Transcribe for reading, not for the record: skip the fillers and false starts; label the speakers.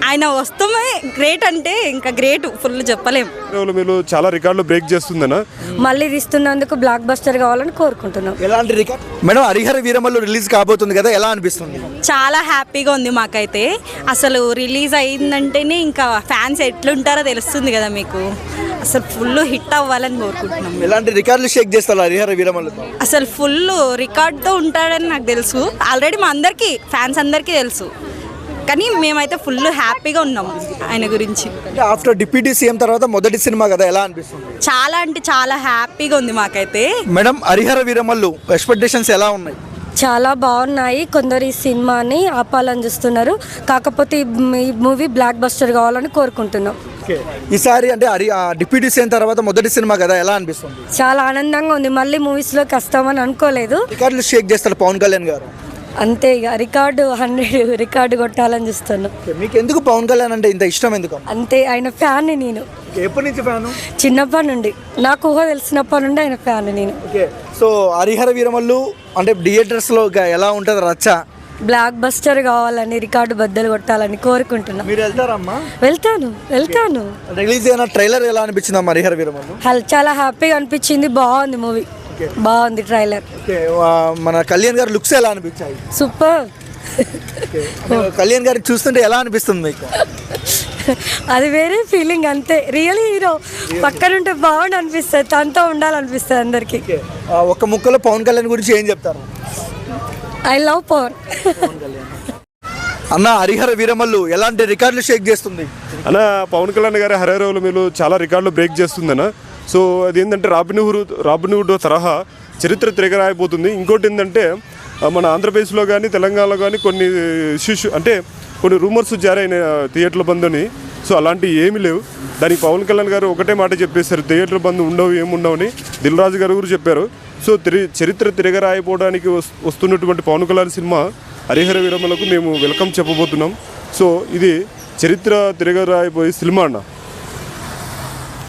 Speaker 1: ఆయన వస్తామే గ్రేట్ అంటే ఇంకా గ్రేట్ ఫుల్ చెప్పలేం.
Speaker 2: మీరు చాలా రికార్డులు బ్రేక్ చేస్తుందనా?
Speaker 3: మళ్ళీ తీస్తున్నందుకు బ్లాక్ బస్టర్ కావాలని కోరుకుంటున్నాం.
Speaker 4: ఎలాంటి record madam? Harihara Veeramallu release కాబోతుంది కదా, ఎలా అనిపిస్తుంది?
Speaker 1: చాలా హ్యాపీగా ఉంది మాకైతే. అసలు రిలీజ్ అయిందంటేనే ఇంకా ఫ్యాన్స్ ఎట్లుంటారో తెలుస్తుంది కదా మీకు. అసలు ఫుల్ హిట్ అవ్వాలని కోరుకుంటున్నాం.
Speaker 4: ఎలాంటి రికార్డులు షేక్ చేస్తారు హరిహర వీరమల్లు?
Speaker 1: అసలు ఫుల్ రికార్డ్తో ఉంటాడని నాకు తెలుసు. ఆల్రెడీ మా అందరికీ ఫ్యాన్స్ అందరికీ తెలుసు. కానీ మేమైతే ఫుల్ హ్యాపీగా ఉన్నాం ఆయన గురించి.
Speaker 4: ఆఫ్టర్ డిప్యూటీ సీఎం తర్వాత మొదటి సినిమా కదా, ఎలా అనిపిస్తుంది?
Speaker 1: చాలా అంటే చాలా హ్యాపీగా ఉంది మాకైతే.
Speaker 4: మేడం, హరిహర వీరమల్లు ఎక్స్పెక్టేషన్స్ ఎలా ఉన్నాయి?
Speaker 3: చాలా బాగున్నాయి. కొందరు ఈ సినిమాని ఆపాలని చూస్తున్నారు. కాకపోతే ఈ మూవీ బ్లాక్ బస్టర్ కావాలని కోరుకుంటున్నాం.
Speaker 4: ఈసారి అంటే డిప్యూటీ సీఎం తర్వాత మొదటి సినిమా కదా, ఎలా అనిపిస్తుంది?
Speaker 3: చాలా ఆనందంగా ఉంది. మళ్ళీ మూవీస్లోకి వస్తామని అనుకోలేదు.
Speaker 4: రికార్డులు షేక్ చేస్తారు పవన్ కళ్యాణ్ గారు.
Speaker 3: అంతే, ఇక రికార్డు 100 రికార్డు కొట్టాలని చూస్తున్నాం.
Speaker 4: మీకు ఎందుకు పవన్ కళ్యాణ్ అంటే ఇంత ఇష్టం ఎందుకు?
Speaker 3: అంతే, ఆయన ఫ్యాన్ నేను.
Speaker 4: ఎప్పటి నుంచి ఫ్యాన్?
Speaker 3: చిన్నప్పటి నుండి, నాకు ఊహ తెలిసినప్పటి నుండి ఆయన ఫ్యాన్ నేను.
Speaker 4: సో హరిహర వీరమల్లు అంటే థియేటర్స్లో ఎలా ఉంటుంది రచ్చ?
Speaker 3: బ్లాక్ బస్టర్ కావాలని, రికార్డు బద్దలు కొట్టాలని కోరుకుంటున్నాం.
Speaker 4: మీరు వెళ్తారమ్మా?
Speaker 3: వెళ్తాను.
Speaker 4: రిలీజ్ అయిన ట్రైలర్ ఎలా అనిపించింది హరిహర వీరమల్లు?
Speaker 3: చాలా హ్యాపీగా అనిపించింది. బాగుంది మూవీ, బాగుంది ట్రైలర్.
Speaker 4: మన కళ్యాణ్ గారి లుక్స్ ఎలా అనిపించాయి?
Speaker 3: సూపర్.
Speaker 4: కళ్యాణ్ గారికి చూస్తుంటే ఎలా అనిపిస్తుంది మీకు?
Speaker 3: అది వేరే ఫీలింగ్, అంతే. రియల్ హీరో పక్కనుంటే బాగుండి అనిపిస్తుంది, తనతో ఉండాలనిపిస్తుంది అందరికి.
Speaker 4: ఒక ముక్కలో పవన్ కళ్యాణ్ గురించి ఏం చెప్తారు?
Speaker 3: I love Pawan.
Speaker 4: అన్న, హరిహర వీరమల్లు ఎలాంటి రికార్డులు షేక్ చేస్తుంది?
Speaker 2: అన్న, పవన్ కళ్యాణ్ గారి హరిహర మీరు చాలా రికార్డులు బ్రేక్ చేస్తుందన్న. సో అది ఏంటంటే రాబిన్హుడ్ తరహా చరిత్ర తిరగరాయిపోతుంది. ఇంకోటి ఏంటంటే మన ఆంధ్రప్రదేశ్లో కానీ తెలంగాణలో కానీ కొన్ని కొన్ని రూమర్స్ జారైన థియేటర్ల బంద్ అని. సో అలాంటివి ఏమీ లేవు. దానికి పవన్ కళ్యాణ్ గారు ఒకటే మాట చెప్పేశారు, థియేటర్ బంద్ ఉండవు, ఏముండవని. దిల్ రాజు గారు కూడా చెప్పారు. సో చరిత్ర తిరగరాయిపోవడానికి వస్తున్నటువంటి పవన్ కళ్యాణ్ సినిమా హరిహర వీరమలకు మేము వెల్కమ్ చెప్పబోతున్నాం. సో ఇది చరిత్ర తిరగరాయిపోయే సినిమా అన్న.